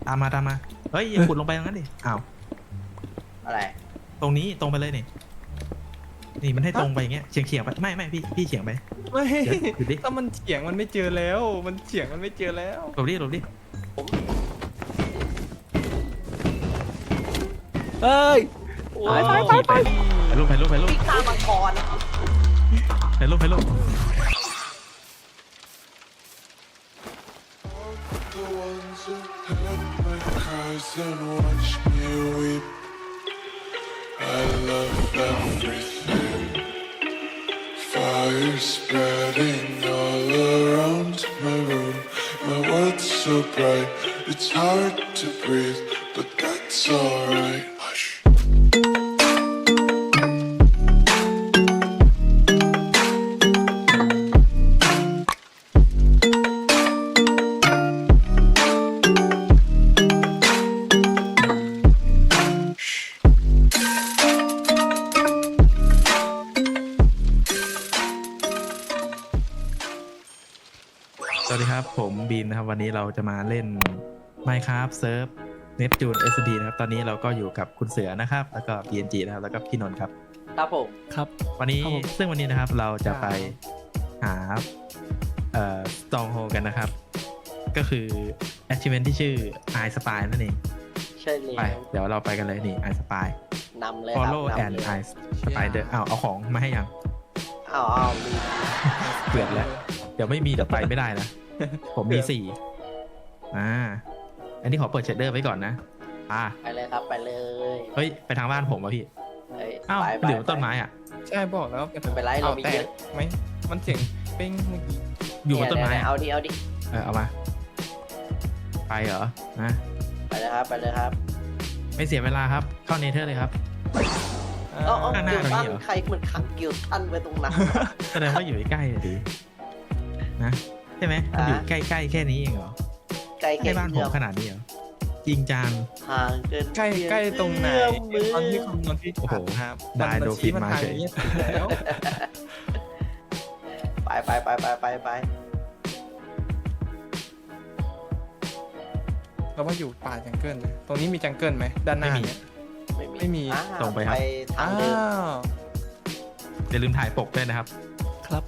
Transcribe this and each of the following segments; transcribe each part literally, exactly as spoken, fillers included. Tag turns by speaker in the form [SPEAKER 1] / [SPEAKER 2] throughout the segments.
[SPEAKER 1] ตามมาตามมาเฮ้ยอย่าขุดลงไปตรงนั้นดิอ้าว
[SPEAKER 2] อะไร
[SPEAKER 1] ตรงนี้ตรงไปเลยนี่นี่มันให้ตรงไปอย่างเงี้ยเฉียงเฉียงไปไม่ไม่พี่พี่เฉียงไป
[SPEAKER 3] ไม่
[SPEAKER 1] ดูดิ
[SPEAKER 3] ถ้ามันเฉียงมันไม่เจอแล้ว มันเฉียงมันไม่เจอแล้ว
[SPEAKER 1] หลบดิหลบดิ
[SPEAKER 3] เฮ้ย
[SPEAKER 2] ไปไปไปไป
[SPEAKER 1] ไปรูปไปรูปไปรูป
[SPEAKER 2] วิ่งตามมังกร
[SPEAKER 1] ไปรูปไปรูป
[SPEAKER 4] And watch me weep. I love everything. Fire spreading all around my room. My world's so bright, it's hard to breathe, but that's alright. Hush.
[SPEAKER 1] สวัสดีครับผมบีนนะครับวันนี้เราจะมาเล่น Minecraft Surf Neptune เอส ดี นะครับตอนนี้เราก็อยู่กับคุณเสือนะครับแล้วก็ บี เอ็น จี นะครับแล้วก็พี่นนท์ครับ
[SPEAKER 2] ครับผม
[SPEAKER 3] ครับ
[SPEAKER 1] วันนี้ซึ่งวันนี้นะครับเราจะไปหาเอ่อ Stronghold กันนะครับก็คือ achievement ที่ชื่อ I Spy นั่นเอง
[SPEAKER 2] ใช่เลย
[SPEAKER 1] ไปเดี๋ยวเราไปกันเลยนี่ I Spy
[SPEAKER 2] นำเลย
[SPEAKER 1] Follow and I Spy เดินอ้าวเอาของมาให้ยัง
[SPEAKER 2] อ้าวอ้าวมี
[SPEAKER 1] เกือบแล้วเดี๋ยวไม่มีเดี๋ยวไปไม่ได้นะผมมีสี่อ่าอันนี้ขอเปิดเชดเดอร์ไว้ก่อนนะอ่า
[SPEAKER 2] ไปเลยครับไปเลย
[SPEAKER 1] เฮ้ยไปทางบ้านผมวะพี่อ้าวหรือต้นไม้อ่ะ
[SPEAKER 3] ใช่บอกแล้ว
[SPEAKER 2] เป็นไปไรเรามีเยอะ
[SPEAKER 3] ไหมมันเสียงเป้งเมื่อกี้
[SPEAKER 1] อยู่บนต้นไม้
[SPEAKER 2] เอาดิเอาดิ
[SPEAKER 1] เออเอามาไปเหรอนะ
[SPEAKER 2] ไปเลยครับไปเลยครับ
[SPEAKER 1] ไม่เสียเวลาครับเข้าเนเธอร์เลยครับ
[SPEAKER 2] อ๋อเกี่ยวตั้นใครเหมือนขังเกี่ยวตั้นไว้ตรงนั้น
[SPEAKER 1] แสดงว่าอยู่ใกล้ๆดีนะใช่ไหมมันอยู่ใกล้ๆแค่นี้เองเหรอ
[SPEAKER 2] ใกล้
[SPEAKER 1] แค่บ้านผมขนาดนี้เหรอจริงจัง
[SPEAKER 2] ห่างเกิน
[SPEAKER 3] ใกล้ใกล้ตรงไหนตอนที่คำนวณที่โอ้โห
[SPEAKER 1] ครับได้โดฟินมาเฉย
[SPEAKER 3] แล้ว
[SPEAKER 2] ไปไปไปไปไปไป
[SPEAKER 3] เราว่าอยู่ป่าจังเกิลนะตรงนี้มีจังเกิลไหมด้านหน้าเนี่ยไม่มี
[SPEAKER 1] ตรงไปครับ
[SPEAKER 2] ทางเดิม
[SPEAKER 1] อย่าลืมถ่ายปกด้วยนะครับ
[SPEAKER 3] ครับ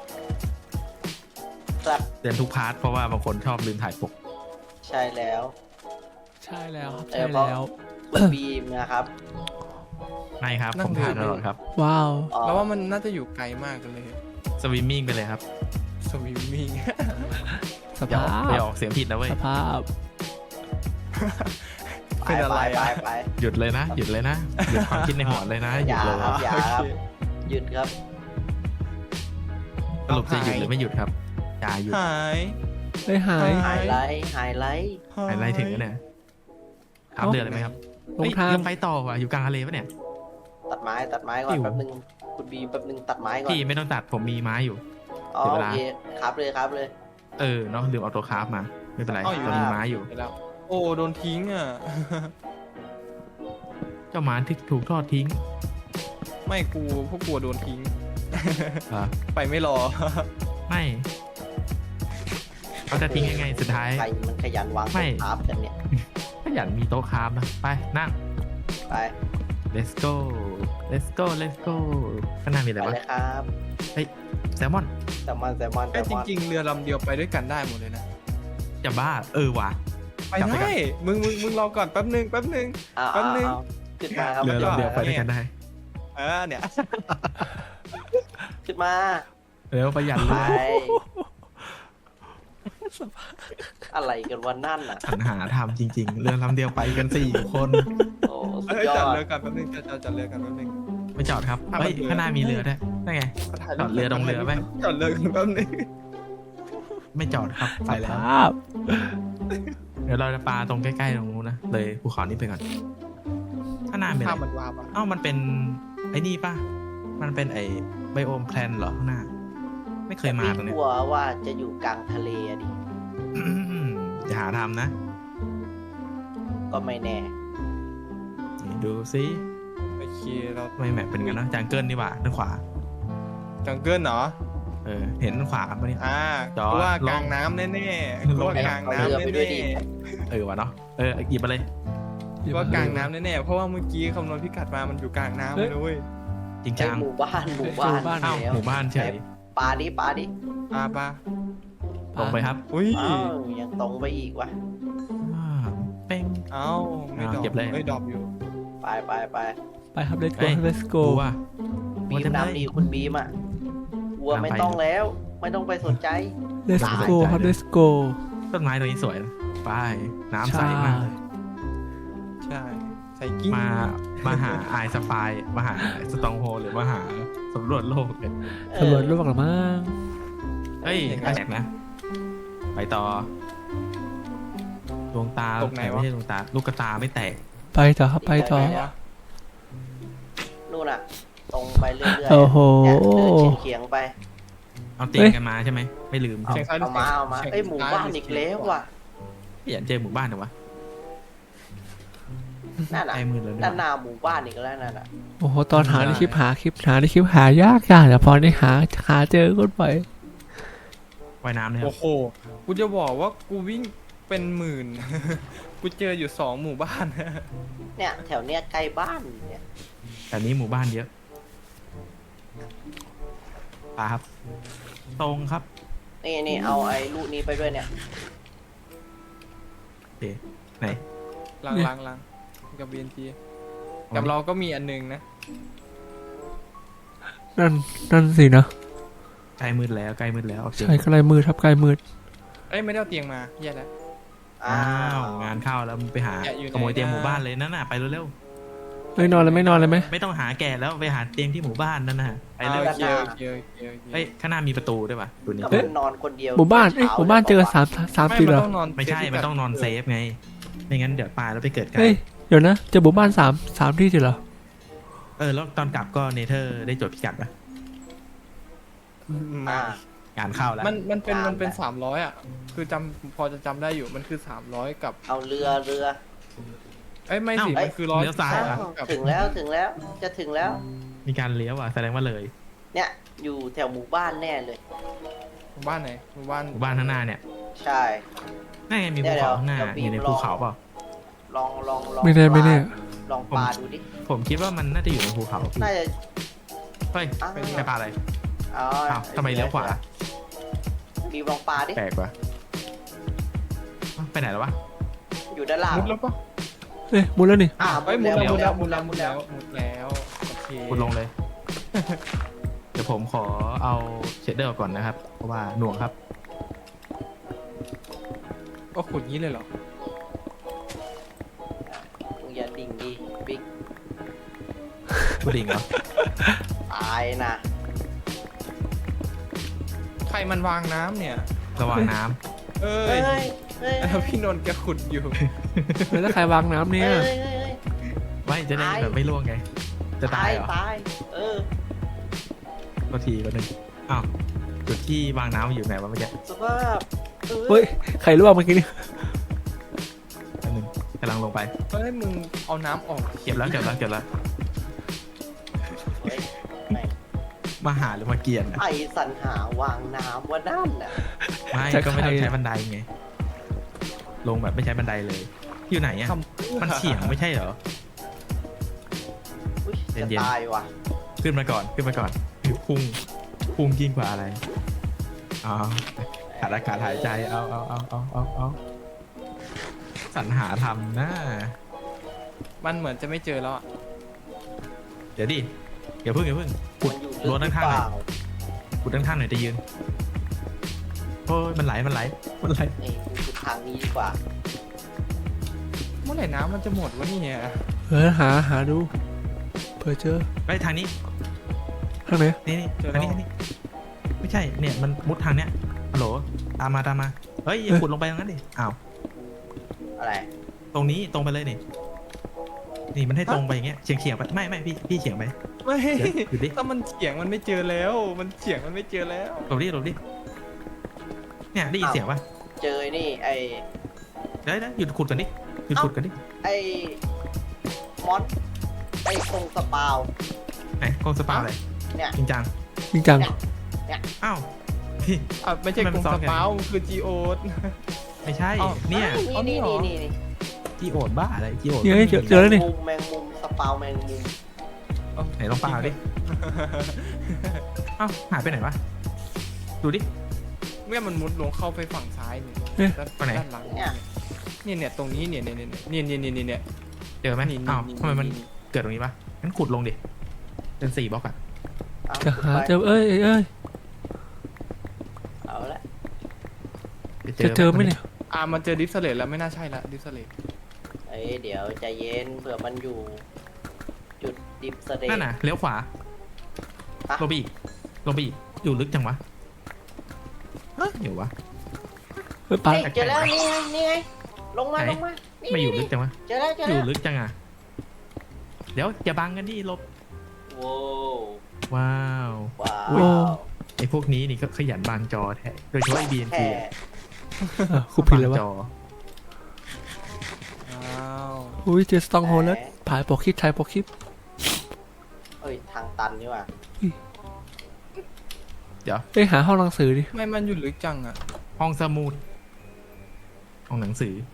[SPEAKER 2] ครับ
[SPEAKER 1] เตือนทุกพาร์ทเพราะว่าบางคนชอบลืมถ่ายปก
[SPEAKER 2] ใช่แล้ว
[SPEAKER 3] ใช่แล้วใช่แล้ว
[SPEAKER 2] บีมนะครับ
[SPEAKER 1] ไม่ครับผมถ่ายตลอดครับ
[SPEAKER 3] ว้าวแล้วว่ามันน่าจะอยู่ไกลมากเลย
[SPEAKER 1] สวิมมิ่งไปเลยครับ
[SPEAKER 3] สวิมมิ่ง
[SPEAKER 1] สภาพไปออกเสียงผิดนะเว้ย
[SPEAKER 3] สภาพ
[SPEAKER 2] ไปไปไปไป
[SPEAKER 1] หยุดเลยนะหยุดเลยนะหยุดความคิดในหัวเลยนะหยุดเลย
[SPEAKER 2] อย่าครับหยุดครับ
[SPEAKER 1] สรุปจะหยุดหรือไม่หยุดครับอย่าหยุด
[SPEAKER 3] หายไม่หาย
[SPEAKER 2] หายไลท์หายไลท์
[SPEAKER 1] หายไลท์ถึงแล้วเนี่ยถามเดือดเลยไหมครับเฮ้ยยังไปต่อว่ะอยู่กลางทะเลปะเนี่ย
[SPEAKER 2] ตัดไม้ตัดไม้ก่อนแป๊บนึงคุณบีแป๊บนึงตัดไม้ก่อน
[SPEAKER 1] พี่ไม่ต้องตัดผมมีไม้อยู่
[SPEAKER 2] อ๋อโอเคครับเลยครับเลย
[SPEAKER 1] เออเนาะลืมเอาตัวคราฟมาไม่เป็นไรเรามีไม้อยู่
[SPEAKER 3] โอ้โดนทิ้งอ่ะ
[SPEAKER 1] เจ้าหมาที่ถูกทอดทิ้ง
[SPEAKER 3] ไม่กูพวกกลัวโดนทิ้งไปไม่รอ
[SPEAKER 1] ไม่เขาจะทิ้งยังไงสุดท้าย
[SPEAKER 2] ใครมันขยันวางโต๊ะคราฟกันเนี่ย
[SPEAKER 1] ขยันมีโต๊ะคราฟนะไปนั่ง
[SPEAKER 2] ไป
[SPEAKER 1] let's go let's go let's go ข้างหน้ามีอะไรวะ
[SPEAKER 2] ไปเลยครับ
[SPEAKER 1] เฮ้ยแซลมอน
[SPEAKER 2] แซลมอนแซลมอน
[SPEAKER 3] แต่จริงๆเรือลำเดียวไปด้วยกันได้หมดเลยนะ
[SPEAKER 1] จะบ้าเออว่ะ
[SPEAKER 3] ไปได้มึงมึงมึงรอก่อนแป๊บนึงแป๊บนึงแป๊บนึง
[SPEAKER 2] ขึ้นมาครับ
[SPEAKER 1] เรือลำเดียวไปด้วยกันได้
[SPEAKER 3] เออเนี่ย
[SPEAKER 2] ขึ้นมา
[SPEAKER 1] เร็วประหยัดเลย
[SPEAKER 2] อะไรกันวันนั่นอ่ะ
[SPEAKER 1] ปัญหาทำจริงๆเรือลำเดียวไปกันสี่คน
[SPEAKER 2] โอ้
[SPEAKER 3] จอดเรือกันแป๊บนึงจอดจอดเรือกันแป๊บนึง
[SPEAKER 1] ไม่จอดครับเฮ้ยข้างหน้ามีเรือด้วยนั่นไงจอดเรือตรงเรือไหม
[SPEAKER 3] จอดเรือกันแป๊บนึง
[SPEAKER 1] ไม่จอดครับไปแล้วเดี๋ยวเราจะปาตรงใกล้ๆตรงนู้นนะเลยภูเขานี้ไปก่อนข้างหน้าเป็นอะไรเอ้ามันเป็นไอ้นี่ป่ะมันเป็นไอ้ไบโอมแพลนเหรอข้างหน้าไม่เคยมาตรงนี้
[SPEAKER 2] กลัวว่าจะอยู่กลางทะเลดิ
[SPEAKER 1] อย่าหาทำนะ
[SPEAKER 2] ก็ไม่แน่
[SPEAKER 1] ดูซิ
[SPEAKER 3] โอเคเรา
[SPEAKER 1] ไม่แมปเป็นกันนะจังเกิลนี่หว่าด้านขวา
[SPEAKER 3] จังเกิลเหรอ
[SPEAKER 1] เออเห็นด้านขวาครับนี่
[SPEAKER 3] อ่าว่ากลางน้ำแน่ๆว่ากลางน้ำแน่
[SPEAKER 1] ๆเอออวะเนาะเออหยิบมาเลย
[SPEAKER 3] ว่ากลางน้ำแน่ๆเพราะว่าเมื่อกี้คำนวณพิกัดมามันอยู่กลางน้ำเลยเว้ย
[SPEAKER 1] จริง
[SPEAKER 2] ไอ
[SPEAKER 1] จัง
[SPEAKER 2] หมู่บ้านหมู่บ้าน
[SPEAKER 1] อ้าว
[SPEAKER 2] แล้ว
[SPEAKER 1] หมู่บ้านเฉย
[SPEAKER 2] ปลาดิปลาดิ
[SPEAKER 3] ปลาปลา
[SPEAKER 1] ตรงไปครับ
[SPEAKER 3] อุ้ย
[SPEAKER 2] อ้าวยังตรงไปอีกวะ
[SPEAKER 1] อ่าเป้ง
[SPEAKER 3] เอ้าไม่ดรอป
[SPEAKER 1] เก็บเลย
[SPEAKER 3] ไม่ดรอปอยู่
[SPEAKER 2] ไปไปไป
[SPEAKER 5] ไปครับ let's
[SPEAKER 1] เอ้
[SPEAKER 5] go
[SPEAKER 1] ย
[SPEAKER 5] let's
[SPEAKER 1] กู
[SPEAKER 5] go
[SPEAKER 1] ว่า
[SPEAKER 2] บีมนำดีคุณบีมอ่ะวัวไม่ต้องแล้ว ไม่ต้องไปสนใจ
[SPEAKER 5] let's go ครับ let's go
[SPEAKER 1] ต้นไม้ตัวนี้สวยนะไปน้ำใส
[SPEAKER 5] ใช่
[SPEAKER 1] มาก
[SPEAKER 3] ใช่ใส่กิ้ง
[SPEAKER 1] มามาหาไอสปายมาหาสตองโฮหรือมาหาสำรวจโลกเลย
[SPEAKER 5] ตำรวจโลกหรือมั้ง
[SPEAKER 1] เฮ้ยแปลกนะ ไปต่อดวงตาไม่ใช่ดวงตา ลูกกระตาไม่แตก
[SPEAKER 5] ไปต่อครับไปต่อ
[SPEAKER 2] นู่นอ่ะ ตรงไปเรื่อยๆ
[SPEAKER 5] โอ้โห
[SPEAKER 2] เนี่ยเดินเฉียงๆไป
[SPEAKER 1] เอาเตียงกันมาใช่ไหมไม่ลืมใช่
[SPEAKER 3] เสียง
[SPEAKER 1] ไหม
[SPEAKER 3] ซ้ายหรื
[SPEAKER 2] เอา
[SPEAKER 3] อ
[SPEAKER 2] มา
[SPEAKER 3] สียง
[SPEAKER 2] เอามาเอ้ยหมู่บ้านอีกแล้วว่ะ
[SPEAKER 1] ไม่อยากเจอหมู่บ้านเหรอวะ
[SPEAKER 2] นั่นน่ะ
[SPEAKER 1] ใกล้มือแล้วด้ว
[SPEAKER 2] ด้าน
[SPEAKER 1] ย
[SPEAKER 2] หน้าหมู่บ้านอีกแล้วนั่นน่ะ
[SPEAKER 5] โอ้โหตอนหาในคลิปหาคลิปหาในคลิปหายากยากแต่พอได้หาหาเจอก็ไป
[SPEAKER 1] ว่ายน้ำเลยครั
[SPEAKER 3] โอ้
[SPEAKER 1] บ
[SPEAKER 3] โหกูจะบอกว่ากูวิ่งเป็นหมื่น กูเจออยู่สองหมู่บ้าน
[SPEAKER 2] เนี่ยแถวเนี้ยใกล้บ้านเนี่ย
[SPEAKER 1] แต่นี้หมู่บ้านเยอะปาครับ ตรงครับ
[SPEAKER 2] นี่นี่เอาไอ้ลูกนี้ไปด้วยเนี่ย
[SPEAKER 1] โอเคไหน
[SPEAKER 3] ลังลังลังกับ บี เอ็น ที กับเราก็มีอันหนึงนะ
[SPEAKER 5] นั่นนั่นสินะ
[SPEAKER 1] ใกล้มืดแล้วใกล้มืดแล้วโอเค
[SPEAKER 5] ใช่ใกล้มืดครับใกล้มืด
[SPEAKER 3] เอ้ยไม่ได้เอาเตียงมาแย่แล้ว
[SPEAKER 2] อ้า
[SPEAKER 1] อ้าว วงานเข้าแล้วมึงไปหา
[SPEAKER 3] แกะอยู่ไหน
[SPEAKER 1] ขโมยเตียง
[SPEAKER 3] นะ
[SPEAKER 1] หมู่บ้านเลยนั่นน่ะไปเร็ว
[SPEAKER 5] ไม่นอนเลยไม่นอนเลยไหม
[SPEAKER 1] ๆไม่ต้องหาแก่แล้วไปหาเตียงที่หมู่บ้านนั่นน่ะไป
[SPEAKER 3] อ่า
[SPEAKER 1] เร็ว
[SPEAKER 3] โอเคโอเคโอเคโอเค
[SPEAKER 1] เอ้ยข้างหน้ามีประตูด้วยป่ะตัวนี้
[SPEAKER 2] ก็มันนอนคนเดียว
[SPEAKER 5] หมู่บ้านเอ้ยหมู่บ้านเจอสามสาม
[SPEAKER 3] ไม่
[SPEAKER 5] ตี
[SPEAKER 3] มัน
[SPEAKER 5] เหรอ
[SPEAKER 3] ต้องนอน
[SPEAKER 1] ไม่ใช่มันต้องนอนเซฟไงไม่งั้นเดี๋ยวตายแล้วไปเกิดไกล
[SPEAKER 5] เฮ้ยเดี๋ยวนะเจอหมู่บ้านสามสามที่เหรอ
[SPEAKER 1] เออแล้วตอนกลับก็เนเธอร์ได้จดพิกัดป่ะ
[SPEAKER 3] มา
[SPEAKER 2] อ่าง
[SPEAKER 1] านเข้าแล้ว
[SPEAKER 3] มันมันเป็น
[SPEAKER 2] ตาม
[SPEAKER 3] มันเป็น
[SPEAKER 2] ไป
[SPEAKER 3] สามร้อยอ่ะ คือจำพอจะจำได้อยู่มันคือสามร้อยกับ
[SPEAKER 2] เอาเรือเรือ
[SPEAKER 3] เอ้ยไม่สิ
[SPEAKER 1] เอ้า
[SPEAKER 3] มันคือร้อย
[SPEAKER 1] เลี้ยวซ้าย
[SPEAKER 2] อ้า
[SPEAKER 1] เหรอ
[SPEAKER 2] ว
[SPEAKER 3] กับ
[SPEAKER 2] ถึงแล้วถึงแล้วจะถึงแล้ว
[SPEAKER 1] มีการเลี้ยวอ่ะแสดงว่าเลย
[SPEAKER 2] เนี่ยอยู่แถวหมู่บ้านแน่เลย
[SPEAKER 3] หมู่บ้านไหนหมู่บ้าน
[SPEAKER 1] หมู่บ้านข้างหน้าเนี่ย
[SPEAKER 2] ใช่
[SPEAKER 1] นั่นไงมีภูเขาข้างหน้า
[SPEAKER 2] เดี๋ยว
[SPEAKER 1] อยู่ใน
[SPEAKER 2] เดี๋ยว
[SPEAKER 1] ภูเขาเปล่า
[SPEAKER 2] ลองลองลอง
[SPEAKER 5] ไม่แน่ไม่แน่
[SPEAKER 2] ลองปลาดูดิ
[SPEAKER 1] ผมคิดว่ามันน่าจะอยู่ในภูเขาพี่
[SPEAKER 2] น่าจะ
[SPEAKER 1] เฮ้ย
[SPEAKER 2] อ้าว
[SPEAKER 1] ใช่ปลาอะไร
[SPEAKER 2] อ๋อ
[SPEAKER 1] อ้าวทำไมเลี้ยวขวา
[SPEAKER 2] บีมลองปลาดิ
[SPEAKER 1] แปลกว่ะอ้าวไปไหนแล้ววะ
[SPEAKER 2] อยู่ด้านล่าง
[SPEAKER 3] มุดแล้วปะ
[SPEAKER 5] เอ้ยมุดแล้วนี่
[SPEAKER 2] อ่า
[SPEAKER 3] เอ้ยมุดแล้วมุดแล้วมุดแล้ว
[SPEAKER 2] มุ
[SPEAKER 3] มุ
[SPEAKER 2] ด
[SPEAKER 3] ด
[SPEAKER 2] แล้
[SPEAKER 3] แล้ว วมุดแล้วโอเค
[SPEAKER 1] คุณลงเลย เดี๋ยวผมขอเอาเชดเดอร์ออกก่อนนะครับ เพราะว่าหน่วงครับ
[SPEAKER 3] ก็ขุดงี้เลยเหรอ
[SPEAKER 2] มึงอย่าดิ่งดิบิ๊ก
[SPEAKER 1] กูดิ่งเหรอ
[SPEAKER 2] ตายนะ
[SPEAKER 3] ใครมันวางน้ำเนี่ย
[SPEAKER 1] ระวังน้
[SPEAKER 3] เอ้
[SPEAKER 2] เฮ้
[SPEAKER 3] ย
[SPEAKER 2] ยเฮ้ยเฮ้ย
[SPEAKER 3] แล้วพี่นนท์แกขุดอยู่
[SPEAKER 5] แล้วถ้าใครวางน้ำเนี่ย
[SPEAKER 2] เฮ้ยเฮ้ยเฮ้ย
[SPEAKER 1] ำไม่จะได้
[SPEAKER 2] ตาย
[SPEAKER 1] แบบไม่ล่วงไง จะตายเหรอ
[SPEAKER 2] ตายเออ
[SPEAKER 1] ก็ทีก็หนึ่งอ้าวจุดที่วางน้ำอยู่ไหนวะเมื่อกี้
[SPEAKER 2] สภาพออ
[SPEAKER 5] เฮ้ยใครรู้ว่าเมื่อกี้นี่
[SPEAKER 1] อันหนึ่งกำลังลงไป
[SPEAKER 3] เฮ้ยมึงเอาน้ำออก
[SPEAKER 1] เก็บแล้วเก็บแล้วเก็บแล้ว
[SPEAKER 2] เฮ้ยแม่ง
[SPEAKER 1] มาหาหรือมาเกลียนอะ
[SPEAKER 2] ไอสรรหาวางน้ำว่านั่นน่ะ
[SPEAKER 1] ไม่ก็ไม่ต้องใช้บันไดไง ลงแบบไม่ใช้บันไดเลย อยู่ไหนอะ
[SPEAKER 3] ทำ
[SPEAKER 1] มันเฉียงไม่ใช่เหรอ
[SPEAKER 2] อุ้ย
[SPEAKER 1] เย็
[SPEAKER 2] จะ
[SPEAKER 1] นๆ
[SPEAKER 2] ตายว่ะ
[SPEAKER 1] ขึ้นมาก่อนขึ้นมาก่อนพุ่งพุ่งยิ่งกว่าอะไรอ๋อขาดอากาศหายใจเอาเอาเอาเอาเอาเอาสรรหาทำนะ
[SPEAKER 3] มันเหมือนจะไม่เจอแล้วอะ
[SPEAKER 1] เดี๋ยวดิอย่าเพิ่งอย่าเพิ่งขุด
[SPEAKER 2] มันอยู่
[SPEAKER 1] รั้วด้านข้างหน่อย
[SPEAKER 2] เปล่
[SPEAKER 1] ขุดด้านข้างหน่อยจะยืนโอ้ยมันไหลมันไหลมันไหล
[SPEAKER 2] นี่กูทางนี้ดีกว่า
[SPEAKER 3] เมื่อไหร่น้ำมันจะหมดวะเนี่ย
[SPEAKER 5] เออหาหาดูเผื่อเจอ
[SPEAKER 1] ไปทางนี้
[SPEAKER 5] ทางไหน
[SPEAKER 1] นี่นี่ทางนี้ทางนี้ไม่ใช่เนี่ยมันมุดทางเนี้ยฮัลโหลตามมาตามมาเฮ้ยอย่าขุดลงไปตรงนั้นดิอ้าว
[SPEAKER 2] อะไร
[SPEAKER 1] ตรงนี้ตรงไปเลยนี่นี่มันให้ตรงไปอย่างเงี้ยเฉียงเฉียงไปไม่ไม่พี่พี่เฉียงไป
[SPEAKER 3] ไม่
[SPEAKER 1] เดี๋ยวหยุดดิ
[SPEAKER 3] ถ้ามันเฉียงมันไม่เจอแล้ว มันเฉียงมันไม่เจอแล้ว
[SPEAKER 1] หลบดิหลบดิเนี่ยได้ยินเสียงป่ะ
[SPEAKER 2] เจอนี่ไอ
[SPEAKER 1] เดี๋ยวเดี๋ยวหยุดขุดกันดิหยุดขุดกันดิ
[SPEAKER 2] ไอมอนไอคงสปาว
[SPEAKER 1] ไหนกองสปาอะไร
[SPEAKER 2] เนี่ย
[SPEAKER 1] จริงจัง
[SPEAKER 5] จริงจัง
[SPEAKER 1] อ้าวพี่
[SPEAKER 3] อ่ะไม่ใช่
[SPEAKER 1] ทำไม
[SPEAKER 3] ก
[SPEAKER 1] มั
[SPEAKER 3] รุ
[SPEAKER 1] น
[SPEAKER 3] ง
[SPEAKER 1] ซ้อ
[SPEAKER 3] ส
[SPEAKER 1] นกัน
[SPEAKER 3] ปาวมันคือจีโอ
[SPEAKER 1] ไม่ใช่เนี่ย
[SPEAKER 2] นี่นี่นี่นี่
[SPEAKER 1] จีโอดบ้าอะไรจีโอด
[SPEAKER 5] เฮ้ยเจอเจอแล้วนี่
[SPEAKER 2] มุมแมงมุมสปาวแมงมุม
[SPEAKER 1] ไหนลองปาดิเอ้าหายไปไหนวะดูดิ
[SPEAKER 3] เมื่อมันมุดลงเข้าไปฝั่งซ้ายเนี่ย
[SPEAKER 5] เอ๊ะ
[SPEAKER 3] ด้าน
[SPEAKER 1] ไปไหน
[SPEAKER 3] ด้านหลังเนี่ยเนี่ยเนี่ยตรงนี้เนี่ยเนี่ยเนี่ยเนี่ยเนี่ยเนี่ยเนี่ย
[SPEAKER 1] เจอไหม
[SPEAKER 3] นี่
[SPEAKER 1] อ้าว
[SPEAKER 3] นี่
[SPEAKER 1] ทำไมมัน
[SPEAKER 3] นี่
[SPEAKER 1] เกิดตรงนี้ปะงั้นขุดลงดิเป็นสี่บล็อกอะ
[SPEAKER 2] เอา
[SPEAKER 5] จะหาเจอเอ้ยเอ้ย
[SPEAKER 2] เอาละ
[SPEAKER 5] จะเจอไหมเนี่ย
[SPEAKER 3] อ่ามันเจอดิฟสเลตแล้วไม่น่าใช่ละดิฟสเลต
[SPEAKER 2] เอ้ยเดี๋ยวใจเย็นเผื่อมันอยู่ จุดดิฟสเต
[SPEAKER 1] นั่นน่ะเลี้ยวขวา
[SPEAKER 2] ฮะ
[SPEAKER 1] ลงไปอีกลงไปอีกอยู่ลึกจังวะเฮ้ยอยู่วะ
[SPEAKER 5] เฮ้ยปลา
[SPEAKER 2] เฮ้ยเจอแล้วนี่ไงนี่ไงลงมา
[SPEAKER 1] ไหน
[SPEAKER 2] ลงมานี่
[SPEAKER 1] ไม่อยู่ลึ
[SPEAKER 2] นี่
[SPEAKER 1] กจังวะ
[SPEAKER 2] เจอแล้วเจอ
[SPEAKER 1] อ
[SPEAKER 2] แล้
[SPEAKER 1] ยู่
[SPEAKER 2] ว
[SPEAKER 1] ลึกจังอะเดี๋ยวอย่าบังกันดิหลบ
[SPEAKER 2] โว้
[SPEAKER 1] ว้าว
[SPEAKER 2] ว้า
[SPEAKER 5] โอ้
[SPEAKER 2] ว
[SPEAKER 1] ไอพวกนี้นี่ก็ขยันบางจอแท้โดยเฉพาะไอบีเอ็น
[SPEAKER 2] แค่
[SPEAKER 1] พี
[SPEAKER 5] เออกูผิดแล้ววะ
[SPEAKER 1] จอ
[SPEAKER 3] อ้าว
[SPEAKER 5] อุ้ยเจอสตองโฮแล้วผายปอกคลิปถ่ายปอกคลิป
[SPEAKER 2] เอ้ยทางตันนี่ว่ะ
[SPEAKER 1] เดี๋ยว
[SPEAKER 5] เอ้ยหาห้องหนังสือดิ
[SPEAKER 3] ไม่มันอยู่ลึกจังอ่ะ
[SPEAKER 1] ห้องสมุดห้องหนังสือ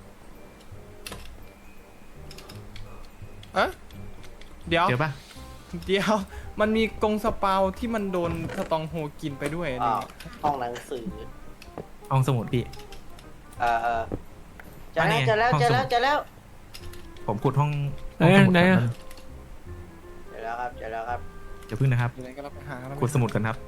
[SPEAKER 3] เอ๊ะเดี๋ยว
[SPEAKER 1] เจอปะ
[SPEAKER 3] เดี๋ยวมันมีกรงสปาวที่มันโดนสตองโฮกินไปด้วย
[SPEAKER 2] อ้า
[SPEAKER 3] นี่
[SPEAKER 2] วห้องหนังสือ
[SPEAKER 1] ห้องสมุดพี่
[SPEAKER 2] เออเออเจอ
[SPEAKER 1] อันนี้
[SPEAKER 2] แล้ว
[SPEAKER 1] ไง
[SPEAKER 2] เจอแล้ว
[SPEAKER 1] ห้อง
[SPEAKER 2] เจอ
[SPEAKER 1] สมุด
[SPEAKER 2] แล้วเจอแล้ว
[SPEAKER 1] ผมขุดห้อง
[SPEAKER 5] ไหน
[SPEAKER 1] ห้อง
[SPEAKER 5] อะ
[SPEAKER 1] สมุด
[SPEAKER 5] ไหน
[SPEAKER 1] ก่
[SPEAKER 5] อะ
[SPEAKER 1] อน
[SPEAKER 2] เจอแล้วครับเจอแล้วครับ
[SPEAKER 1] เดี๋ยวพึ่งนะครับ
[SPEAKER 3] อยู่ไหนก็รับไปหาแล้ว
[SPEAKER 1] ขุดสมุดกันครับ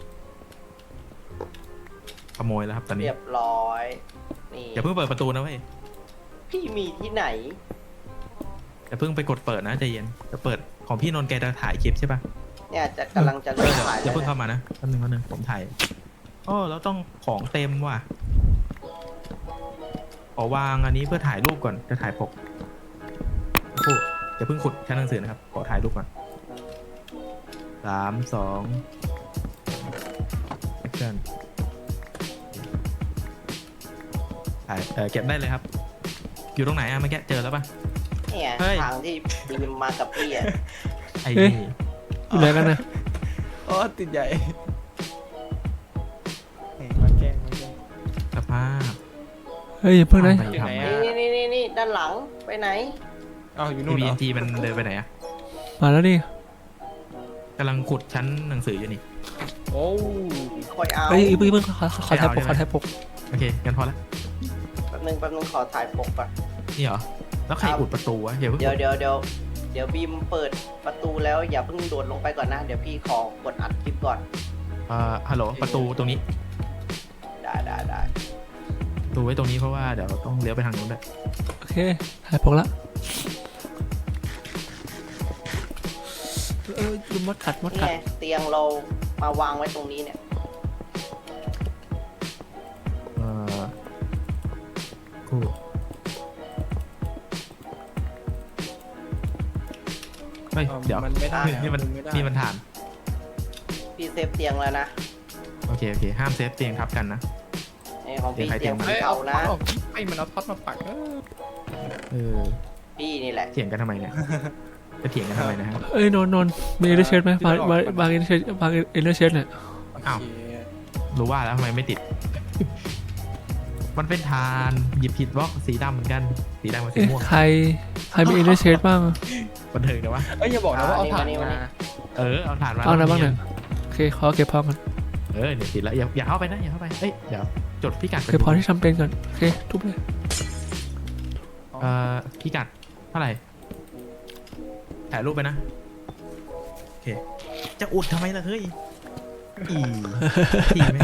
[SPEAKER 1] ขโมยแล้วครับตอนนี้
[SPEAKER 2] เรียบร้อยนี่
[SPEAKER 1] อย่าเพิ่งเปิดประตูนะเว้ย
[SPEAKER 2] พี่มีที่ไหน
[SPEAKER 1] อย่าเพิ่งไปกดเปิดนะใจเย็นจะเปิดของพี่นนท์แกจะถ่ายคลิปใช่ปะ
[SPEAKER 2] เนี่ยจะกำลังจะ
[SPEAKER 1] เอ
[SPEAKER 2] เริ่
[SPEAKER 1] อ
[SPEAKER 2] ม
[SPEAKER 1] เดี๋ยว
[SPEAKER 2] ถ่าย
[SPEAKER 1] อย่า
[SPEAKER 2] แล้ว
[SPEAKER 1] เพิ่ง
[SPEAKER 2] เนี่ย
[SPEAKER 1] เข้ามานะแป๊บนึงแป๊บนึงผมถ่ายโอ้เราต้องของเต็มว่ะขอวางอันนี้เพื่อถ่ายรูปก่อนจะถ่ายปกโอ้โหอย่าเพิ่งขุดชั้นหนังสือนะครับขอถ่ายรูปก่อนสามสองแอคชั่นถ่ายเออเก็บได้เลยครับ อยู่ตรงไหนอะเมื่อกี้เจอแล้วปะ
[SPEAKER 2] เนี่ย
[SPEAKER 1] เฮ้ย
[SPEAKER 2] ทางที่บีมมากับพี่อ่ะ
[SPEAKER 1] ไอ้
[SPEAKER 5] เอ๊ะ
[SPEAKER 1] นี่
[SPEAKER 5] อยู่ไหนกันนะ
[SPEAKER 3] โอ้ติดใหญ่เฮ้ยมาแกล้งมาแกล้ง
[SPEAKER 1] สภาพ
[SPEAKER 5] เฮ้ยอย่าเพิ่งนะ
[SPEAKER 1] ไป
[SPEAKER 3] อยู่ไหน
[SPEAKER 1] ทำ
[SPEAKER 3] อะ
[SPEAKER 2] นี่นี่นี่นี่ด้านหลังไปไหน
[SPEAKER 3] อ้าวอยู่
[SPEAKER 1] ไอ
[SPEAKER 3] นู่น
[SPEAKER 1] บี
[SPEAKER 3] เหร
[SPEAKER 1] เอ็
[SPEAKER 3] อน
[SPEAKER 1] จีมันเดินไปไหนอะ
[SPEAKER 5] มาแล้วนี่
[SPEAKER 1] กำลังขุดชั้นหนังสืออยู่นี่
[SPEAKER 3] โอ้
[SPEAKER 2] คอยเอา
[SPEAKER 5] เฮ้ยอีกเพิ่งเพิ่งขอขอขอถ่ายปกขอถ่ายปก
[SPEAKER 1] โอเคงั้นพอละ
[SPEAKER 2] แป๊บนึงแป๊บนึงขอถ่ายปกก่อน
[SPEAKER 1] นี่เหรอแล้วใครอุดประตูวะอย่าเพิ่ง
[SPEAKER 2] เดี๋ยวเดี๋ยวเดี๋ยวเดี๋ยวบีมเปิดประตูแล้วอย่าเพิ่งโดดลงไปก่อนนะ เดี๋ยวพี่ขอกดอัดคลิปก่อน
[SPEAKER 1] เอ่อฮัลโหลประตูตรงนี้
[SPEAKER 2] ได้ได้ได้
[SPEAKER 1] ดูไว้ตรงนี้เพราะว่าเดี๋ยวต้องเลี้ยวไปทางนู้นด้วย
[SPEAKER 5] โอเคถ่ายปกละเออลืมมดกัดมด
[SPEAKER 2] นี่
[SPEAKER 5] กัด
[SPEAKER 2] ไงเตียงเรามาวางไว้ตรงนี้เนี่ย
[SPEAKER 1] เอ่อคู่เฮ้ย
[SPEAKER 3] อ่า
[SPEAKER 1] เดี๋ยว
[SPEAKER 3] มันไม่ได้
[SPEAKER 1] นี่มัน
[SPEAKER 3] ไม่ได้
[SPEAKER 1] นี่มันฐาน
[SPEAKER 2] พี่เซฟเตียงแล้วนะ
[SPEAKER 1] โอเคโอเคห้ามเซฟเตียงทับกันนะ
[SPEAKER 2] นี่ของพี่
[SPEAKER 1] เดี๋ยวใคร
[SPEAKER 2] เตียง
[SPEAKER 1] เตียง
[SPEAKER 2] สี
[SPEAKER 3] เอ้ย
[SPEAKER 2] เทา
[SPEAKER 3] เอา
[SPEAKER 2] นะ
[SPEAKER 3] ท็อตออกไอ้มันเอาท็อตมาปักเออ
[SPEAKER 1] เออ
[SPEAKER 2] พี่นี่แหละ
[SPEAKER 1] เถียงกันทำไมเนี่ยจะเถียงกันทำไมนะฮะ
[SPEAKER 5] เอ้ยนนท์นนท์มีเอเดอร์เชดไหมบางบางบางเอเดอร์เชดบางเอเดอร์เชดเนี่ย
[SPEAKER 1] อ้าว
[SPEAKER 3] โอเค
[SPEAKER 1] รู้ว่าแล้วทำไมไม่ติด มันเป็นฐานหยิบผิดบล็อกสีดำเหมือนกันสีดำกับสี
[SPEAKER 5] เอ๊ะ
[SPEAKER 1] ม่วง
[SPEAKER 5] ใครใครมีเอเดอร์เชดบ้าง
[SPEAKER 1] บันเทิงเดี๋ยววะ
[SPEAKER 3] เอ้ยอย่าบอกนะว่าเอาถ่าน
[SPEAKER 2] นี่มานี่
[SPEAKER 3] มา
[SPEAKER 1] เออเอาฐานมา
[SPEAKER 5] เอานะบ้าง
[SPEAKER 1] เนี่
[SPEAKER 5] เนี่ย ยโอเคขอเก็บพอกัน
[SPEAKER 1] เออเนี่ยติดแล้วอย่าอย่าเข้าไปนะอย่าเข้าไปเอ้ยเดี๋ยวจดพิกัดไป
[SPEAKER 5] เก็บพอที่ทำเป็นก่อนโอเคทุบเลย
[SPEAKER 1] เอ่อพิกัดเท่าไหร่ถ่ายรูปไปนะโอเคจะอุดทำไมล่ะเฮ้ยอีทีไหม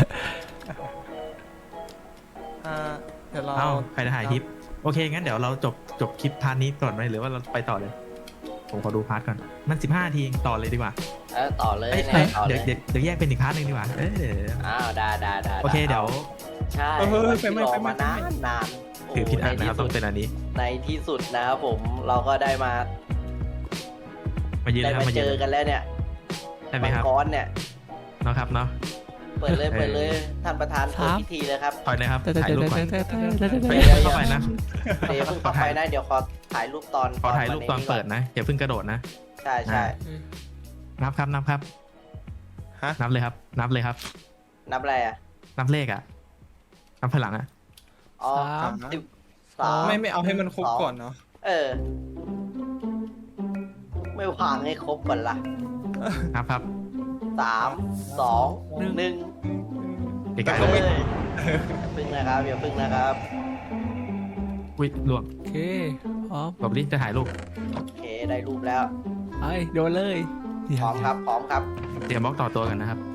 [SPEAKER 3] อ่าเดี๋ยวเรา
[SPEAKER 1] เอ้าใครจะถ่ายคลิปโอเคงั้นเดี๋ยวเราจบจบคลิปพาร์ทนี้ก่อนไหมหรือว่าเราไปต่อเลย ผมขอดูพาร์ทก่อนมันสิบห้านาทีเองต่อเลยดีกว่า
[SPEAKER 2] เออต่อเลย
[SPEAKER 1] เอ้ย
[SPEAKER 2] เนี่ยต่อเล
[SPEAKER 1] เดี๋ยวย เดี๋ยวเดี๋ยวแยกเป็นอีกพาร์ทหนึงดีกว่าเออ
[SPEAKER 2] อ้าวได้ได้ได้
[SPEAKER 1] โอเคเดี๋ยว
[SPEAKER 2] ใช่
[SPEAKER 3] เออเฮ้ยไป
[SPEAKER 2] ที่
[SPEAKER 3] ไม่
[SPEAKER 2] รอ
[SPEAKER 3] ไป
[SPEAKER 2] มา
[SPEAKER 3] ไม่
[SPEAKER 2] นานนานโ
[SPEAKER 1] ถือผิดอัน
[SPEAKER 2] ใน
[SPEAKER 1] นะครับ
[SPEAKER 2] ที่
[SPEAKER 1] ต้
[SPEAKER 2] สุ
[SPEAKER 1] อง
[SPEAKER 2] ด
[SPEAKER 1] เป็นอันนี้
[SPEAKER 2] ในที่สุดนะครับผมเราก็ได้มา
[SPEAKER 1] มายืน
[SPEAKER 2] ได้
[SPEAKER 1] นะครับ
[SPEAKER 2] มา
[SPEAKER 1] มา
[SPEAKER 2] เจ
[SPEAKER 1] ยื
[SPEAKER 2] อน กันแล้วเนี่ย
[SPEAKER 1] ได้ไหม
[SPEAKER 2] มัง
[SPEAKER 1] ครับ
[SPEAKER 2] กรเนี่ย
[SPEAKER 1] เนาะครับเนาะ
[SPEAKER 2] เปิดเลยเปิดเลยท่านประธานเปิดพิธีเลยครับ
[SPEAKER 1] ถอยเลยครับ
[SPEAKER 5] แต่แต่
[SPEAKER 1] ถ่าย
[SPEAKER 5] แต่
[SPEAKER 1] รูปก่อน
[SPEAKER 5] แต่แต่แต่แต่
[SPEAKER 1] ไป
[SPEAKER 5] แต่
[SPEAKER 1] เข้าไปนะ
[SPEAKER 2] เดี๋ยวเพิ่งเข้าไปนะเดี๋ยวขอถ่ายรูปตอน
[SPEAKER 1] ขอถ่ายรูปตอนเปิดนะอย่าเพิ่งกระโดดนะ
[SPEAKER 2] ใช่ใช่
[SPEAKER 1] นับครับนับครับ
[SPEAKER 3] ฮะ
[SPEAKER 1] นับเลยครับ นับเลยครับ
[SPEAKER 2] นับอะไรอ่ะ
[SPEAKER 1] นับเลขอะนับพลังอะ
[SPEAKER 2] อ๋อ
[SPEAKER 5] สาม
[SPEAKER 2] สิบสาม
[SPEAKER 3] ไม่ไม่เอาให้มันครบก่อนเนาะ
[SPEAKER 2] เออ ไม่วางให้ครบก่อนล่ะ
[SPEAKER 1] ครับครับ
[SPEAKER 2] สามสองหนึ่ง
[SPEAKER 1] ไกล
[SPEAKER 3] แต่
[SPEAKER 1] ๆ
[SPEAKER 3] ก็
[SPEAKER 1] เล
[SPEAKER 3] ไม่
[SPEAKER 1] ย
[SPEAKER 2] อย่าพึ่งนะครับอย่าพึ่งนะครับ
[SPEAKER 1] อุ้ยล่วง
[SPEAKER 5] โอเคพร้อม
[SPEAKER 1] บอกลิจะถ่ายรูป
[SPEAKER 2] โอเคได้รูปแล้ว
[SPEAKER 5] ไปโดนเลย
[SPEAKER 2] พร้อมครับพร้อมครับ
[SPEAKER 1] เตรียมบล็อกต่อตัวกันนะครับ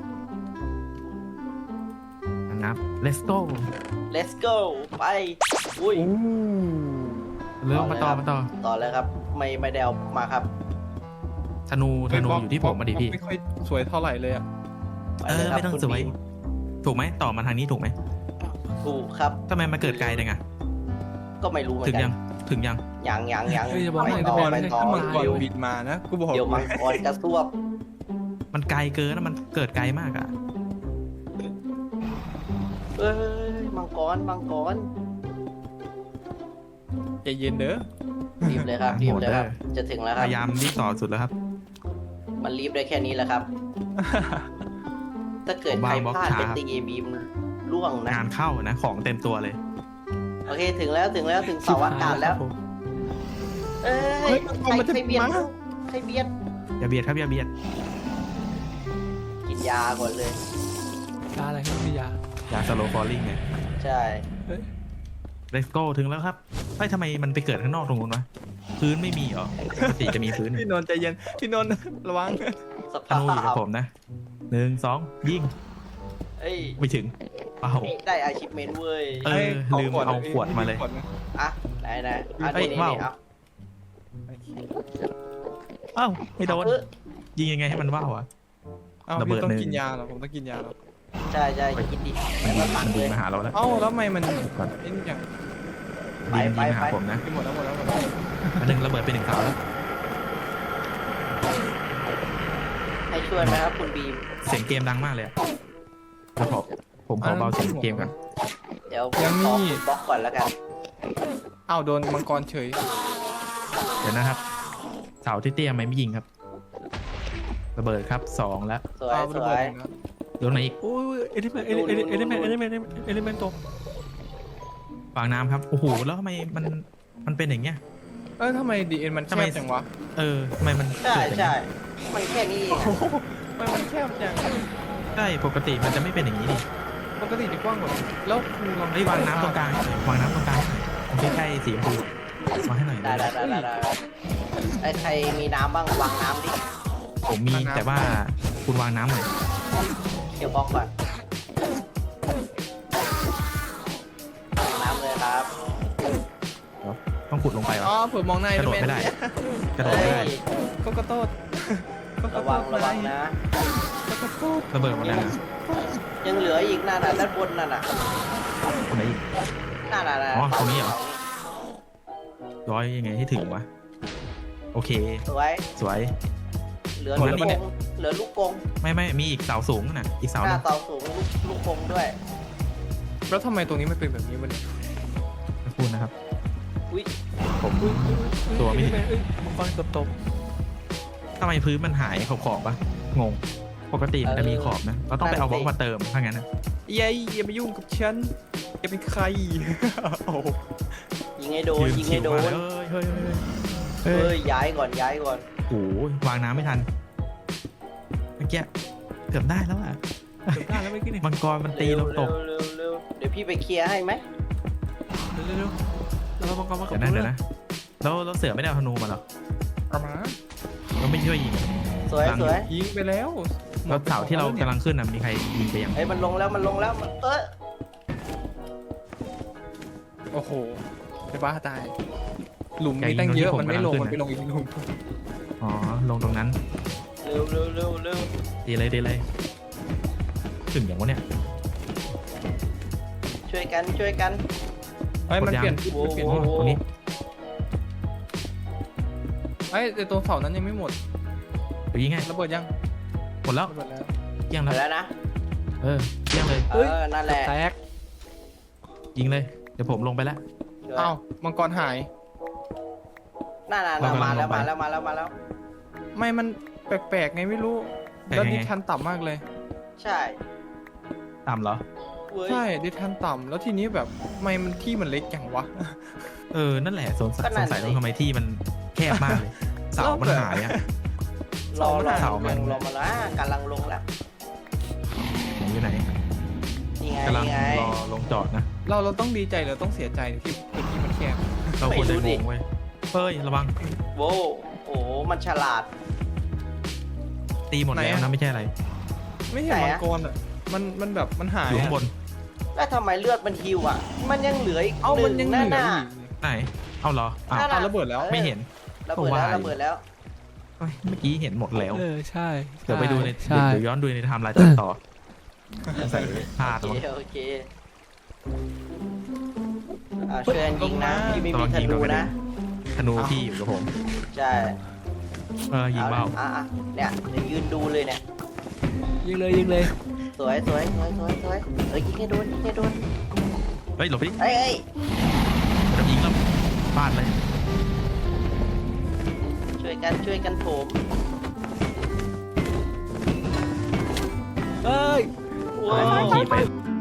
[SPEAKER 1] นับ let's go
[SPEAKER 2] let's go ไปอุ้ย
[SPEAKER 1] เริ่มมาต่อมาต่อ
[SPEAKER 2] ต่อเลยครับ ไม่ไม่ได้เอามาครับ
[SPEAKER 1] ธนูธนูอยู่ที่ผมมาดิพี่
[SPEAKER 3] ไม่ค่อยสวยเท่าไหร่เลยอะ
[SPEAKER 1] เออ
[SPEAKER 2] ปลยครับ
[SPEAKER 1] ไม่ต้อง
[SPEAKER 2] คุณ
[SPEAKER 1] สวย
[SPEAKER 2] บีม
[SPEAKER 1] ถูกไหมต่อมาทางนี้ถูกไหม
[SPEAKER 2] ถูกครับ
[SPEAKER 1] ทำไมมาเกิดไกลจังอะ
[SPEAKER 2] ก็ไม่รู้เหมือ
[SPEAKER 1] ถึง
[SPEAKER 2] นกั
[SPEAKER 1] ยั
[SPEAKER 2] น
[SPEAKER 1] งถึงยัง
[SPEAKER 2] ยังยังยัง
[SPEAKER 5] เฮ้ยจะบอก
[SPEAKER 2] ไป
[SPEAKER 5] ให้
[SPEAKER 2] ต่อ
[SPEAKER 5] จะบอก
[SPEAKER 2] ไป
[SPEAKER 5] ให้
[SPEAKER 2] ต่อ
[SPEAKER 3] ถ้ามังกร
[SPEAKER 2] เดี๋ยว
[SPEAKER 3] บินมานะกูบอก
[SPEAKER 2] เดี๋ยวมังกรกระซวบ
[SPEAKER 1] มันไกลเกินนะมันเกิดไกลมากอะ
[SPEAKER 2] เอ้ยมังกรมังกร
[SPEAKER 3] ใจเย็นเด้อ
[SPEAKER 2] รีบเลยครับรีบเลยครับ จะถึงแล้ว
[SPEAKER 1] พ
[SPEAKER 2] ครับ
[SPEAKER 1] ยายามรีบต่อสุดแล้วครับ
[SPEAKER 2] มันรีบได้แค่นี้แหละครับ ถ้าเกิด
[SPEAKER 1] ผม
[SPEAKER 2] ใคร
[SPEAKER 1] วางบล็อก
[SPEAKER 2] พลาด
[SPEAKER 1] ช้า
[SPEAKER 2] เป็นตีบีมล่วงนะ
[SPEAKER 1] งานเข้านะของเต็มตัวเลย
[SPEAKER 2] โอเคถึงแล้วถึงแล้วถึงเสาอากาศแล้ว เอ้
[SPEAKER 3] เฮ้
[SPEAKER 2] ย
[SPEAKER 3] ยมังก
[SPEAKER 2] ใค
[SPEAKER 3] ร
[SPEAKER 2] ร
[SPEAKER 3] มันจะ
[SPEAKER 2] ใครเบียด
[SPEAKER 3] มา
[SPEAKER 2] ใครเบียด
[SPEAKER 1] อย่าเบียดครับอย่าเบียด
[SPEAKER 2] กินยาก่อนเลย
[SPEAKER 5] ยาอะไรครับพี่ยา
[SPEAKER 1] อย่าสโลว์ฟอลลิ่งไง
[SPEAKER 2] ใช่
[SPEAKER 1] let's go ถึงแล้วครับเฮ้ยทำไมมันไปเกิดข้างนอกตรงนู้นวะพื้นไม่มีเหรอปกติจะมีพื้น
[SPEAKER 3] พี่นนท์ใจเย็นพี่นนท์ระวัง
[SPEAKER 2] ส
[SPEAKER 1] ธ
[SPEAKER 2] ภา
[SPEAKER 1] นูอยู่กับ
[SPEAKER 2] พ
[SPEAKER 1] ผมนะหนึ่งสองยิง
[SPEAKER 2] เอ้ย
[SPEAKER 1] ไม่ถึงเป้า
[SPEAKER 2] ได้อาชิพเมนเว้ย
[SPEAKER 1] เออลืมเอาขวดมาเลย
[SPEAKER 2] อ่ะไหนไหนอ่ะ
[SPEAKER 1] เอ้ย
[SPEAKER 2] นี่
[SPEAKER 1] ว้าว
[SPEAKER 2] นี่เอา
[SPEAKER 1] เอ้าไม่โดน
[SPEAKER 2] เออ
[SPEAKER 1] ยิงยังไงให้มันว่าวอะ
[SPEAKER 3] เอ้า
[SPEAKER 1] ระเบิด
[SPEAKER 3] พี่ต้อง
[SPEAKER 1] หนึ่ง
[SPEAKER 3] กินยาเหรอผมต้องกินยาเหรอ
[SPEAKER 2] ใช่ใช่กินดิ
[SPEAKER 1] มัน
[SPEAKER 2] แล้วตั
[SPEAKER 1] มั
[SPEAKER 2] ด
[SPEAKER 1] น
[SPEAKER 2] เล
[SPEAKER 1] บิน
[SPEAKER 2] ย
[SPEAKER 1] มาหาเราแล้ว
[SPEAKER 3] เอ้าแล้วทำไมมัน
[SPEAKER 1] ก่อน
[SPEAKER 3] เอ็นอย่าง
[SPEAKER 2] ไป
[SPEAKER 1] บิน
[SPEAKER 2] ไป
[SPEAKER 1] บินมาหา
[SPEAKER 2] ไป
[SPEAKER 1] ผมนะ
[SPEAKER 3] ไปหมดแล้วหมดแล้วหมดแล้ว
[SPEAKER 1] อันหนึ่งระเบิดไปหนึ่งเสาแล้ว
[SPEAKER 2] ให้ช่วยไหมครับคุณบีม
[SPEAKER 1] เสียงเกมดังมากเลยอะแล้วขอผมขอเบาเสียงเกมก่อน
[SPEAKER 2] เดี๋ยวผมขอคุณบล็อกก่อนแล้วกัน
[SPEAKER 3] เอ้าโดนมังกรเฉย
[SPEAKER 1] เดี๋ยวนะครับ เสาที่เตี้ยไหมไม่ยิงครับ ระเบิดครับสองแล้ว
[SPEAKER 2] สวย
[SPEAKER 3] เอา
[SPEAKER 2] ส
[SPEAKER 3] ระ
[SPEAKER 2] ว
[SPEAKER 3] เบิด
[SPEAKER 2] ย
[SPEAKER 3] อีกแล้ว
[SPEAKER 1] โยนไหนอีก
[SPEAKER 5] โอ้ยเอลิเมนต์เอลิเมนต์เอลิเมนต์เอลิเมนต์เอลิเมนต์ตก
[SPEAKER 1] วางน้ำครับโอ้โหแล้วทำไมมันมันเป็นอย่างเงี้ย
[SPEAKER 3] เออทำไมดีเอ็นมันแค
[SPEAKER 1] ทำไม
[SPEAKER 3] บจังวะ
[SPEAKER 1] เออทำไมมัน
[SPEAKER 2] ใช่
[SPEAKER 1] เกิดอย่าง
[SPEAKER 2] ใช่
[SPEAKER 1] เงี้ย
[SPEAKER 2] มันแค่นี้เอง
[SPEAKER 3] โอ้โหทำไมมันแคบจัง
[SPEAKER 1] ใช่ปกติมันจะไม่เป็นอย่างนี้ดิ
[SPEAKER 3] ปกติจะกว้างกว่านี้แล้วกูลอง
[SPEAKER 1] เฮ้ยวางน้ำตรงกลางวางน้ำตรงกลางตรงใกล้ๆสีชมพูวางให้หน่อย
[SPEAKER 2] ได้ได้ได้ได้ได้ไอ้ใครมีน้ำบ้างวางน้ำดิ
[SPEAKER 1] ผมมีแต่ว่าคุณวางน้ำหน่อย
[SPEAKER 2] เกี่ยวบล็อกก่อนวางน้ำเลยครับ
[SPEAKER 1] ต้องขุดลงไปเหร
[SPEAKER 3] อ๋
[SPEAKER 1] อ
[SPEAKER 3] อเผื่อมองใน
[SPEAKER 1] กระโดดไม่ได้ กระโดด
[SPEAKER 2] เฮ้
[SPEAKER 1] ไม่ได้
[SPEAKER 2] ย
[SPEAKER 3] ก็กระโดดก็ก
[SPEAKER 2] ระ
[SPEAKER 3] ระโด
[SPEAKER 2] วัง
[SPEAKER 3] ด
[SPEAKER 2] ระวังนะ
[SPEAKER 3] ก็กระโดด
[SPEAKER 1] ระเบิดหมดแล้วนะ
[SPEAKER 2] ยังเหลืออีกนั่นน่ะด้านบนนั่นน่ะ
[SPEAKER 1] คนไหนอีก
[SPEAKER 2] นั่นน่ะน่ะ
[SPEAKER 1] อ๋อตรงนี้เหรอ ร้อยยังไงให้ถึงวะโอเค
[SPEAKER 2] สวย
[SPEAKER 1] สวย
[SPEAKER 2] เหลือ
[SPEAKER 1] คน
[SPEAKER 2] ลู
[SPEAKER 1] นั้
[SPEAKER 2] ก
[SPEAKER 1] น
[SPEAKER 2] ก
[SPEAKER 1] อีก
[SPEAKER 2] งเหลือลูกกง
[SPEAKER 1] ไม่ไม่มีอีกเสาสูงน่ะอีกเสา
[SPEAKER 2] ห
[SPEAKER 1] ห
[SPEAKER 2] น้า
[SPEAKER 1] นึง
[SPEAKER 2] เสาสูงลูกลูกกงด้วย
[SPEAKER 3] แล้วทำไมตรงนี้มันเป็นแบบนี้วะเนี่ย
[SPEAKER 1] ไม่พูดนะครับ
[SPEAKER 2] อุ้ย
[SPEAKER 1] ผมตัวไม่
[SPEAKER 5] เอลิ
[SPEAKER 1] ถึง
[SPEAKER 5] เมนต์เอ้ยฟังตบตบ
[SPEAKER 1] ทำไมพื้นมันหายขอบขอบๆปะงง ปกติมันจะมีขอบนะเราต้องไปเอาบล็อกมาเติมถ้างั้นนะ
[SPEAKER 3] เยัยอย่ามายุ่งกับฉันอย่าเป็นใครโอ้โห
[SPEAKER 2] ยิงให้โดน
[SPEAKER 1] ยืน
[SPEAKER 2] ยิง
[SPEAKER 1] ชิ
[SPEAKER 2] ให้
[SPEAKER 1] ว
[SPEAKER 2] โด
[SPEAKER 1] มาน เลยเฮ้ยเฮ้ยเฮ้ยเฮ้
[SPEAKER 2] เฮ้
[SPEAKER 1] ย
[SPEAKER 2] ยย้ายก่อนย้ายก่อน
[SPEAKER 1] โอ้ยวางน้ำไม่ทันเมื่อกี้เกือบได้แล้วอ่ะ
[SPEAKER 5] จบได้แล้วไม่ขึ้นนี่
[SPEAKER 1] มังกรมันตี
[SPEAKER 2] เร็ว
[SPEAKER 1] ลงต
[SPEAKER 2] เร็
[SPEAKER 1] ก
[SPEAKER 2] วเร็วเร็วเดี๋ยวพี่ไปเคลียร์ให้ไหม
[SPEAKER 5] เร็วเร็วเร็วเราบังคับมากับ
[SPEAKER 1] เดี๋ยวนะเดี๋ยวนะแล้วแล้วเสือไม่ได้เอาธนูมาเหรอ
[SPEAKER 3] เอามา
[SPEAKER 1] เราไม่ช่วยยิง
[SPEAKER 2] สวย
[SPEAKER 1] หลัง
[SPEAKER 2] สวย
[SPEAKER 3] ยิงไปแล้ว
[SPEAKER 1] แล้วเสาที่เรากำลังขึ้นน่ะมีใครยิงไปยัง
[SPEAKER 2] เฮ้ยมันลงแล้วมันลงแล้วมันเออ
[SPEAKER 3] โอ้โหจะบ้าตาย หลุมมีตั้งเยอะมันไม่ลงมันไปลงอีกหลุม
[SPEAKER 1] อ๋อลงตรงนั้น
[SPEAKER 2] เร็วเร็วเร็วเร็ว
[SPEAKER 1] ดีเลยดีเลยถึงอย่างวะเนี่ย
[SPEAKER 2] ช่วยกันช่วยกัน
[SPEAKER 3] ไอ้ยมันเปลี่ยนทิศ
[SPEAKER 2] โอ้
[SPEAKER 3] มันเปลี่ยน
[SPEAKER 1] อ๋อ
[SPEAKER 3] ทิศ
[SPEAKER 1] ตรงนี้
[SPEAKER 3] ไอ้ยแต่ตัวเสานั้นยังไม่หมด
[SPEAKER 1] เดี๋ยวยิงไง
[SPEAKER 3] ระเบิดยัง
[SPEAKER 1] หมดแล้ว
[SPEAKER 3] ระเบิดแล้ว
[SPEAKER 1] เกี้ยง
[SPEAKER 2] ไป
[SPEAKER 1] แล้ว
[SPEAKER 2] แล้วนะ
[SPEAKER 1] เออเกี้ยงเลย
[SPEAKER 2] เออนั่นแหละ
[SPEAKER 5] แตก
[SPEAKER 1] ยิงเลยเดี๋ยวผมลงไปแล้ว
[SPEAKER 2] ช่วย
[SPEAKER 3] อ้าวมังกรหาย
[SPEAKER 2] นั่นน่ะ
[SPEAKER 1] เรากำลั
[SPEAKER 2] มาง แล้ว
[SPEAKER 1] ลงไป
[SPEAKER 2] มาแล้วมาแล้วมาแล้ว
[SPEAKER 3] ไม่มันแปลกๆไงไม่รู้
[SPEAKER 1] แปลก
[SPEAKER 3] แล้ว
[SPEAKER 1] ยังไง
[SPEAKER 3] นี่ชันต่ำมากเลย
[SPEAKER 2] ใช่
[SPEAKER 1] ต่ำเหรอ
[SPEAKER 2] เว้ย
[SPEAKER 3] ใช่ได้ทันต่ำแล้วทีนี้แบบทำไมมันที่มันเล็กอย่างวะ
[SPEAKER 1] เออนั่นแหละสงสัย
[SPEAKER 2] ก็
[SPEAKER 1] ส
[SPEAKER 2] นั่
[SPEAKER 1] ง
[SPEAKER 2] น
[SPEAKER 1] สัย
[SPEAKER 2] สิ
[SPEAKER 1] ว่าทำไมที่มันแคบมากเลยเสามันหายอ่ะ
[SPEAKER 2] รอรอ
[SPEAKER 1] เสามั
[SPEAKER 2] ล
[SPEAKER 1] น
[SPEAKER 2] งลงมาแล้วกำลังลงแล้ว
[SPEAKER 1] ผมอยู่ไหน
[SPEAKER 2] นี่ไง
[SPEAKER 1] กำลัง
[SPEAKER 2] นี่ไง
[SPEAKER 1] รอลงจอดนะ
[SPEAKER 3] เราเราต้องดีใจหรือต้องเสียใจที่พื้นที่มันแคบ
[SPEAKER 1] เราควรจะ
[SPEAKER 2] ไม่รู้
[SPEAKER 1] ง
[SPEAKER 2] ดิ
[SPEAKER 1] งเว้ยเฮ้ยระวัง
[SPEAKER 2] โว้โอ้โหมันฉลาด
[SPEAKER 1] ตีหมดแล้วนะไม่ใช่อะไร
[SPEAKER 3] ไม่เห็น
[SPEAKER 2] ไหน
[SPEAKER 3] มัง
[SPEAKER 2] อะ
[SPEAKER 3] กรอ่ะมันมันแบบมันหาย
[SPEAKER 1] อยู่ข้างบน
[SPEAKER 2] แล้วทำไมเลือดมันฮิวอ่ะ มันยังเหลืออีก
[SPEAKER 3] เอ้า
[SPEAKER 2] ห
[SPEAKER 3] มัน
[SPEAKER 2] นึ่
[SPEAKER 3] ยัง
[SPEAKER 2] ง
[SPEAKER 3] เห
[SPEAKER 2] นั่น
[SPEAKER 3] ลือ
[SPEAKER 2] น่ะ
[SPEAKER 3] อีก
[SPEAKER 1] ไหนเอาเหรออ้าว
[SPEAKER 2] นั่น
[SPEAKER 3] เอา
[SPEAKER 2] น่ะ
[SPEAKER 3] ระเบิดแล้ว
[SPEAKER 2] ออ
[SPEAKER 1] ไม่เห็น
[SPEAKER 2] ระเบิดแล้ว
[SPEAKER 1] ก็ว่า
[SPEAKER 2] ระเบิดแล้ว
[SPEAKER 1] เฮ้ยเมื่อกี้เห็นหมดแล้ว
[SPEAKER 5] เออใช่
[SPEAKER 1] เดี๋ยวไปดูใน
[SPEAKER 5] ใช่
[SPEAKER 1] เดี๋ยวย้อนดูในไทม์ไลน์ตัดต่อใส่พลาด
[SPEAKER 2] โอ
[SPEAKER 1] มั้ง
[SPEAKER 2] เคโอเคอ่าช่วยกันยิงนะพี่ไม่มีธนูนะ
[SPEAKER 1] ธนูพี่อยู่กับผม
[SPEAKER 2] ใช่
[SPEAKER 1] เออยิงเบา
[SPEAKER 2] อ่ะอ่ะเนี่ยเดี๋ยวยืนดูเลยเนี่ย
[SPEAKER 5] ยิงเลยยิงเลย
[SPEAKER 2] สวยสวยสวยสวยสวยเอ้ยยิงให้โดนยิงให้โดน
[SPEAKER 1] เฮ้ยหลบดิ
[SPEAKER 2] เอ้ยเอ้ย
[SPEAKER 1] ไม่ต้องยิงแล้วพลาดเลย
[SPEAKER 2] ช่วยกันช่วยกันโถม
[SPEAKER 5] เอ้ย
[SPEAKER 1] อะไรไม่ขี่ไป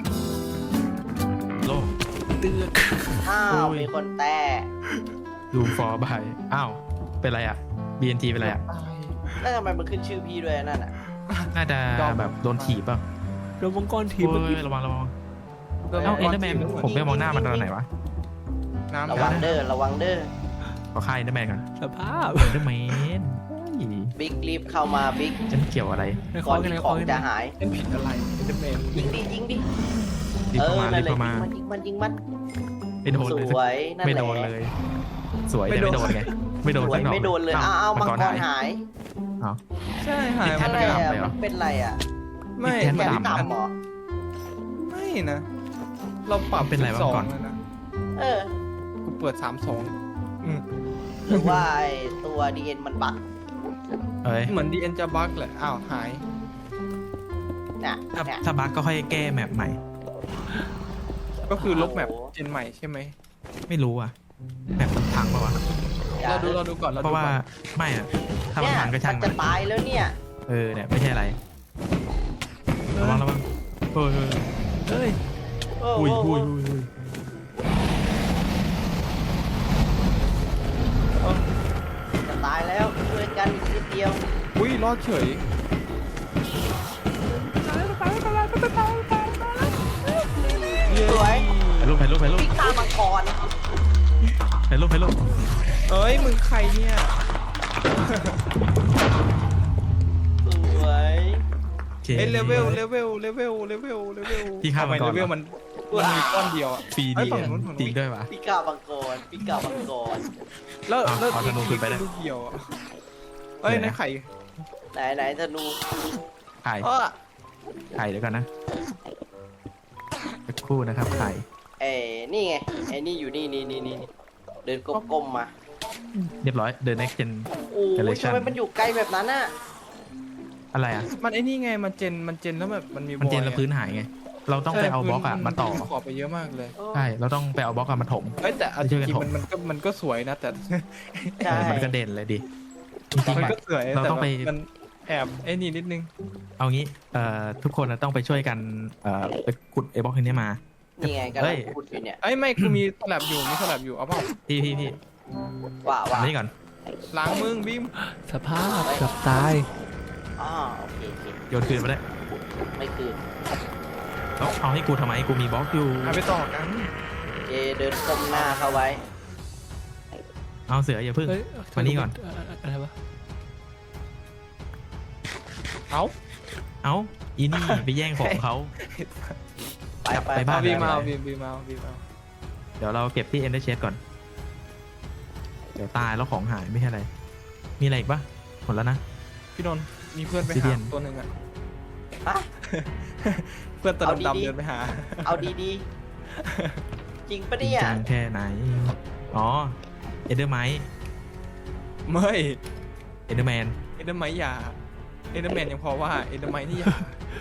[SPEAKER 1] โล
[SPEAKER 5] เตือน
[SPEAKER 2] อ้าว
[SPEAKER 1] โอ้ย
[SPEAKER 2] มีคนแต่
[SPEAKER 1] ดูฟอร์บายอ้าวเป็นไรอ่ะ บี เอ็น ที เป็นไรอ่ะ
[SPEAKER 2] แล้วทำไมมันขึ้นชื่อพี่ด้วยนั่นอ่ะ
[SPEAKER 1] น่าจะแบบโดนถีบเปล่ะ
[SPEAKER 5] โดนมังกรที
[SPEAKER 1] โอ้
[SPEAKER 5] เมื่อกี้
[SPEAKER 1] ยระวังระวัง
[SPEAKER 3] โดน
[SPEAKER 1] เอ้า
[SPEAKER 3] มั
[SPEAKER 1] เอ็
[SPEAKER 3] ง
[SPEAKER 1] น
[SPEAKER 3] ก
[SPEAKER 1] เดอร์แมน
[SPEAKER 3] ที
[SPEAKER 1] ผมไปมองหน้ามันตอนไหนวะ
[SPEAKER 3] น้ำ
[SPEAKER 2] ระวังเด้อระวังเด้อ
[SPEAKER 1] ขอค่ายเอ็นเดอร์แมนก่อน
[SPEAKER 5] สภาพ
[SPEAKER 1] เอ็นเดอร์แมน
[SPEAKER 2] บิ๊กรีบเข้ามาบิ๊ก
[SPEAKER 1] ฉันเกี่ยวอะไร
[SPEAKER 5] ในค
[SPEAKER 2] ก่
[SPEAKER 5] อ
[SPEAKER 2] อน
[SPEAKER 5] กันใน
[SPEAKER 2] ที่
[SPEAKER 5] ค
[SPEAKER 2] ข
[SPEAKER 5] อ
[SPEAKER 2] อง
[SPEAKER 5] กัน
[SPEAKER 2] จะหาย
[SPEAKER 3] เป็นผิดอะไรเป็นเมน
[SPEAKER 2] ยิงดิยิงดิ
[SPEAKER 1] รีบ
[SPEAKER 2] เอ
[SPEAKER 1] เข้า
[SPEAKER 2] อ
[SPEAKER 1] มา
[SPEAKER 2] นั่
[SPEAKER 1] รี
[SPEAKER 2] น
[SPEAKER 1] บ
[SPEAKER 2] แหละ
[SPEAKER 1] เข้ามา
[SPEAKER 2] ยิงมันยิงมันยิงมัน
[SPEAKER 1] ไม่โดน
[SPEAKER 2] ส
[SPEAKER 1] เลย
[SPEAKER 2] วยนั่นแหละ
[SPEAKER 1] ไม่โดนเลย สวยแต่ไม่โดนไงไม่โดน
[SPEAKER 2] สว
[SPEAKER 1] สั
[SPEAKER 2] ย
[SPEAKER 1] กหน่อย
[SPEAKER 2] ไม่โดนเลยอ้าวอ้าวมังกรหาย
[SPEAKER 1] อ้าว
[SPEAKER 3] ใช่หาย
[SPEAKER 1] แค่
[SPEAKER 3] มา
[SPEAKER 2] อะไร
[SPEAKER 1] ไม่
[SPEAKER 2] อ่ะ
[SPEAKER 1] ดำเลยเหรอ
[SPEAKER 2] มันเป็นไรอ่ะ
[SPEAKER 3] ไม่
[SPEAKER 1] แค่
[SPEAKER 2] แก
[SPEAKER 1] ไม่
[SPEAKER 2] น
[SPEAKER 1] ดำ
[SPEAKER 2] ต่ำเหรอ
[SPEAKER 3] ไม่นะ เราปรับ
[SPEAKER 1] เป็นไรวะ
[SPEAKER 3] สอง
[SPEAKER 1] ก่อน
[SPEAKER 3] เลยนะ
[SPEAKER 2] เออ
[SPEAKER 3] กูเปิดสามสองอืม
[SPEAKER 2] หรือว่าไอ้ตัวดีเอ็นมันบั๊ก
[SPEAKER 1] เอ้ย
[SPEAKER 3] เหมือนดีเอ็นจะบั๊กแหละอ้าวหาย
[SPEAKER 2] เนี่ย
[SPEAKER 1] ถ้า
[SPEAKER 2] เนี่ย
[SPEAKER 1] ถ้าบั๊กก็ค่อยแก้แมปใหม่
[SPEAKER 3] ก็คือลบแมป
[SPEAKER 2] โอ้โห
[SPEAKER 3] เจนใหม่ใช่ไหม
[SPEAKER 1] ไม่รู้อ่ะแมปมันพังปะวะ
[SPEAKER 2] อย่
[SPEAKER 3] เราดูเราดูก่อนเรา
[SPEAKER 1] เพ
[SPEAKER 3] ดู
[SPEAKER 1] ราะว่า
[SPEAKER 3] ก่อน
[SPEAKER 1] ไม่อ่ะถ้ามัน
[SPEAKER 2] เนี่ย
[SPEAKER 1] พังก็ช่าง
[SPEAKER 2] มัน
[SPEAKER 1] มั
[SPEAKER 2] จะ
[SPEAKER 1] น
[SPEAKER 2] ตายแล้วเนี่ย
[SPEAKER 1] เออเนี่ยไม่ใช่อะไรระวังระวังเฮ้ยเฮ้ย
[SPEAKER 5] เอ้ย
[SPEAKER 2] โอ้
[SPEAKER 1] อุ้ย
[SPEAKER 2] โห
[SPEAKER 1] อุ้ยอุ้ยอุ้ย
[SPEAKER 2] จะตายแล้วช่วยกันอีกนิดเดียว
[SPEAKER 3] อุ้ยรอดเฉย
[SPEAKER 2] สวย
[SPEAKER 1] ถ่ายรูปถ่ายรูปถ่ายรูป
[SPEAKER 2] พิกตามังกร
[SPEAKER 1] ถ่ายรูปถ่ายรูป
[SPEAKER 3] เอ้ยมึงใครเนี่ย
[SPEAKER 2] สวย
[SPEAKER 1] โอเค
[SPEAKER 3] เอ้ยเลเวลเลเวลเลเวลเลเวลเลเวล
[SPEAKER 1] พี่ข้าม
[SPEAKER 3] ทำไม
[SPEAKER 1] มาก่อน
[SPEAKER 3] เลเวลมันมันมีก้อนเดียวอ่ะ
[SPEAKER 1] ฟรี
[SPEAKER 3] เอ้
[SPEAKER 1] ดี
[SPEAKER 3] ยฝั่งนู้นฝั่งนู้น
[SPEAKER 1] จริงด้วยวะ
[SPEAKER 2] พิกามังกรพิกามังกร
[SPEAKER 3] แล้ว
[SPEAKER 1] อ่ะ
[SPEAKER 3] แล้ว
[SPEAKER 1] เอาธนูขึ้นไปได้
[SPEAKER 3] ลูกเดียวอ่ะเอ้ย
[SPEAKER 1] เดี๋ยวนะ
[SPEAKER 3] ในไข่
[SPEAKER 2] ไหนไหนธนู
[SPEAKER 1] ถ่าย
[SPEAKER 3] เออ
[SPEAKER 1] ถ่ายเดี๋ยวก่อนนะสักครู่นะครับถ่าย
[SPEAKER 2] เอ้นี่ไงไอ้นี่อยู่นี่นี่นี่นี่เดินก้มๆมา
[SPEAKER 1] เรียบร้อย The Next Gen
[SPEAKER 2] โอ้ย
[SPEAKER 1] Generation
[SPEAKER 2] ทำไมมันอยู่ไกลแบบนั้นน่ะ
[SPEAKER 1] อะไรอ่ะ
[SPEAKER 3] มันไอ้นี่ไงมันเจนมันเจนแล้วแบบมันมี
[SPEAKER 1] มันเจน
[SPEAKER 3] บอย
[SPEAKER 1] แล้ว
[SPEAKER 3] อะ
[SPEAKER 1] พื้นหายไง เราต้องไปเอาบล็อกอะมาต่อ
[SPEAKER 3] ขอบไปเยอะมากเลย
[SPEAKER 1] ใช่ เราต้องไปเอาบล็อกอะมาถม
[SPEAKER 3] เอ้ยแต่เอาจ
[SPEAKER 1] ช่วยกัน
[SPEAKER 3] ริง
[SPEAKER 1] ถ
[SPEAKER 3] ๆ
[SPEAKER 1] ม
[SPEAKER 3] มันมันก็มันก็สวยนะแต่
[SPEAKER 2] ใช่
[SPEAKER 1] เออมันก็เด่นเลยดิ จริง
[SPEAKER 3] มัน
[SPEAKER 1] ๆอะ
[SPEAKER 3] ก็สวย
[SPEAKER 1] เรา
[SPEAKER 3] แต่
[SPEAKER 1] ต้อง
[SPEAKER 3] แบ
[SPEAKER 1] ไป
[SPEAKER 3] บมันแอบไอ้นี่นิดนึง
[SPEAKER 1] เอางี้ เอ่อ ทุกคนอะต้องไปช่วยกัน เอ่อ ไปขุดไอ้บล็อกนี้มา
[SPEAKER 2] นี่ไงกำ
[SPEAKER 1] เฮ้
[SPEAKER 2] ลัง
[SPEAKER 1] ย
[SPEAKER 2] พูดอยู่เนี่ย
[SPEAKER 3] ไอ้ยไม่กูมีสลับอยู่มีสลับอยู่เอาเปล่า
[SPEAKER 1] พี่พี่พี่
[SPEAKER 2] ว่าว่า
[SPEAKER 1] ทำนี่ก่อน
[SPEAKER 3] ล้างมึงบิม
[SPEAKER 5] สภาพเกือบตาย
[SPEAKER 2] อ๋อโอเคโอเค
[SPEAKER 1] โยนคืนมาได้
[SPEAKER 2] ไม่คือ
[SPEAKER 1] แล้วเอาให้กูทำไม กูมีบล็อกอยู่
[SPEAKER 3] เอาไปต่อกัน
[SPEAKER 2] โอเคเดินก้มหน้าเข้าไว้
[SPEAKER 1] เอาเสืออย่าพึ่ง
[SPEAKER 5] เฮ้ย
[SPEAKER 1] มานี่ก่อน
[SPEAKER 5] เอะไรวะ
[SPEAKER 3] เอา
[SPEAKER 1] เอาอีนี่ไปแย่งของเขา
[SPEAKER 2] ไปไป
[SPEAKER 1] ไปบ้าน
[SPEAKER 3] เอาบีมเอาบีมบีมเอาบีมเอา
[SPEAKER 1] เดี๋ยวเราเก็บที่ Ender Chest ก่อน เดี๋ยวตายแล้วของหายไม่ใช่อะไร มีอะไรอีกปะหมดแล้วนะ
[SPEAKER 3] พี่นนท์มีเพื่อนไป
[SPEAKER 1] ซีเรี
[SPEAKER 3] หาย
[SPEAKER 1] น
[SPEAKER 3] ตัวหนึ่งอ่ะ
[SPEAKER 2] ฮะ
[SPEAKER 3] เพื่อนตัว
[SPEAKER 2] เอาดีๆ
[SPEAKER 3] ดำๆเดินไปหา
[SPEAKER 2] เอาดีๆ จริงปะ
[SPEAKER 1] จริง
[SPEAKER 2] เนี่ย
[SPEAKER 1] จังแค่ไหน อ๋อ เอเดอร์ไม
[SPEAKER 3] ไม่
[SPEAKER 1] เอเดอร์แมน
[SPEAKER 3] เอเดอร์ไมยาเอเดอร์แมนยังพอว่าเอเดอร์ไมนี่ยา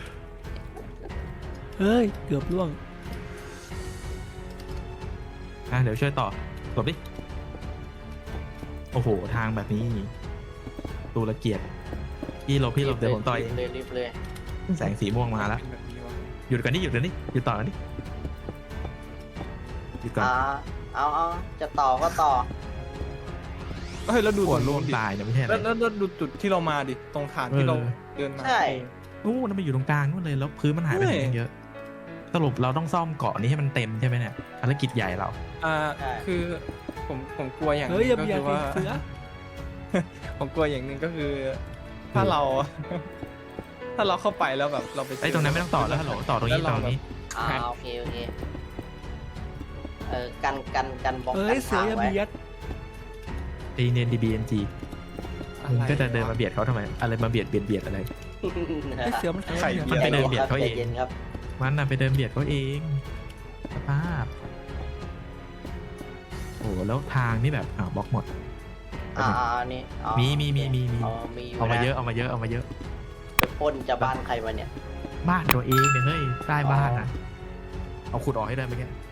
[SPEAKER 5] เฮ้ยเกือบล่วง
[SPEAKER 1] อ่ะเดี๋ยวช่วยต่อหลบดิ โอ้โห ทางแบบนี้ตูละเกียดพี่หลบพี่หลบเดี๋ยวผมต่อย
[SPEAKER 2] รีบเลยรีบเลย
[SPEAKER 1] แสงสีม่วงมาแล้ว
[SPEAKER 3] เป็นแบบนี้วะ
[SPEAKER 1] หยุดกันนี่หยุดกันนี่หยุดต่อกันนี่หยุดก่อน
[SPEAKER 2] อ่าเอาเอาจะต่อก็ต่อ
[SPEAKER 3] เฮ้ยแล้วดู
[SPEAKER 1] หัว
[SPEAKER 3] ตรง
[SPEAKER 1] โล
[SPEAKER 3] นู้
[SPEAKER 1] น
[SPEAKER 3] นดิ
[SPEAKER 1] ตายเนี่ยไม่ใช่อะไร
[SPEAKER 3] แล้วแล้วแล้วดูจุดที่เรามาดิตรงฐานที่
[SPEAKER 1] เออ
[SPEAKER 3] เราเดินมา
[SPEAKER 2] ใช่
[SPEAKER 1] นู่นมันไปอยู่ตรงกลางนู่นเลยแล้วพื้นมันหายไปไหนตั้งเยอะ สรุปเราต้องซ่อมเกาะนี้ให้มันเต็มใช่ไหมเนี่ยภารกิจใหญ่เรา
[SPEAKER 3] อ่า
[SPEAKER 2] ใช่
[SPEAKER 3] คือผมผมกลัวอย่างห
[SPEAKER 5] เฮ้ย
[SPEAKER 3] นึ
[SPEAKER 5] อย่าง
[SPEAKER 3] ก็
[SPEAKER 5] เบีย
[SPEAKER 3] คื
[SPEAKER 5] ด
[SPEAKER 3] อว่า
[SPEAKER 5] เสือ
[SPEAKER 3] ผมกลัวอย่างหนึ่งก็คือ ถ้าเรา ถ้าเราเข้าไปแล้วแบบเราไปเจ
[SPEAKER 1] ไอ้ตรงนั้นไม่ต้องต่อแล้วฮัลโหลต่อตรงนี้ต่อตรงนี้
[SPEAKER 2] อ่าโอเคโอเคเออกันกันกันบล็อก
[SPEAKER 5] เฮ้
[SPEAKER 2] กั
[SPEAKER 5] ย
[SPEAKER 2] น
[SPEAKER 5] เสือ
[SPEAKER 2] ทาง
[SPEAKER 5] อย่า
[SPEAKER 2] ไว้
[SPEAKER 5] เบียด
[SPEAKER 1] ตีเนียนดีบีเอ็นจี
[SPEAKER 3] อ
[SPEAKER 1] มึง
[SPEAKER 3] ไร
[SPEAKER 1] ก็จะเดินมาเบียดเขาทำไมอะไรมาเบียดเบียดเบียดอะไร
[SPEAKER 5] ไอ้เสือมัน
[SPEAKER 3] ไข่
[SPEAKER 1] มันไปเดินเบียดเขาเอง
[SPEAKER 2] ใจย็นครับ
[SPEAKER 1] มันน่ะไปเดินเบียดเขาเองสภาพโอ้โหแล้วทางนี่แบบอ่าวบล็อกหมด
[SPEAKER 2] อ่าอ่าอันนี้อ๋อ
[SPEAKER 1] มีมีมีมีมี
[SPEAKER 2] อ๋อมีอยู่
[SPEAKER 1] เอามา
[SPEAKER 2] นะ
[SPEAKER 1] เยอะเอามาเยอะเอามาเยอะ
[SPEAKER 2] ไปปล้นจะบ้านใครมาเนี่ย
[SPEAKER 1] บ้านตัวเองเนี่ยเฮ้ยใต้บ้านอ่ะ เอาขุดออกให้ได้ไหมแก